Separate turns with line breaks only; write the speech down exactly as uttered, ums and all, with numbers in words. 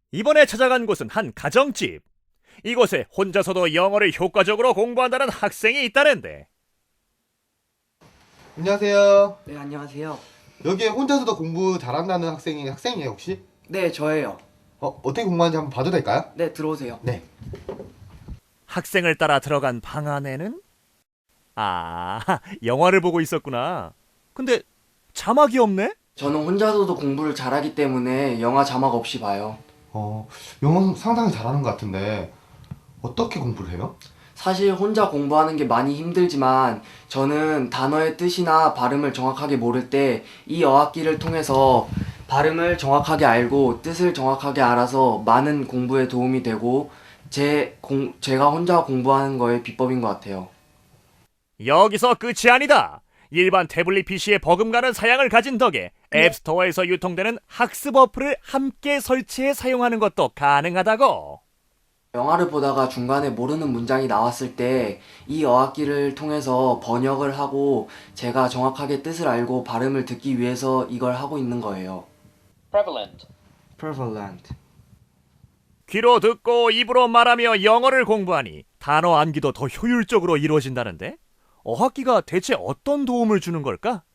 이번에 찾아간 곳은 한 가정집. 이곳에 혼자서도 영어를 효과적으로 공부한다는 학생이 있다는데.
안녕하세요.
네, 안녕하세요.
여기에 혼자서도 공부 잘한다는 학생이 학생이에요, 혹시?
네, 저예요.
어, 어떻게 공부하는지 한번 봐도 될까요?
네, 들어오세요.
네.
학생을 따라 들어간 방 안에는 아, 영화를 보고 있었구나. 근데 자막이 없네?
저는 혼자서도 공부를 잘하기 때문에 영화 자막 없이 봐요.
어, 영어 상당히 잘하는 것 같은데 어떻게 공부를 해요?
사실 혼자 공부하는 게 많이 힘들지만 저는 단어의 뜻이나 발음을 정확하게 모를 때 이 어학기를 통해서 발음을 정확하게 알고 뜻을 정확하게 알아서 많은 공부에 도움이 되고 제 공, 제가 혼자 공부하는 거의 비법인 것 같아요.
여기서 끝이 아니다. 일반 태블릿 피시의 버금가는 사양을 가진 덕에 앱스토어에서 유통되는 학습 어플을 함께 설치해 사용하는 것도 가능하다고.
영화를 보다가 중간에 모르는 문장이 나왔을 때 이 어학기를 통해서 번역을 하고 제가 정확하게 뜻을 알고 발음을 듣기 위해서 이걸 하고 있는 거예요.
prevalent,
prevalent.
귀로 듣고 입으로 말하며 영어를 공부하니 단어 암기도 더 효율적으로 이루어진다는데? 어학기가 대체 어떤 도움을 주는 걸까?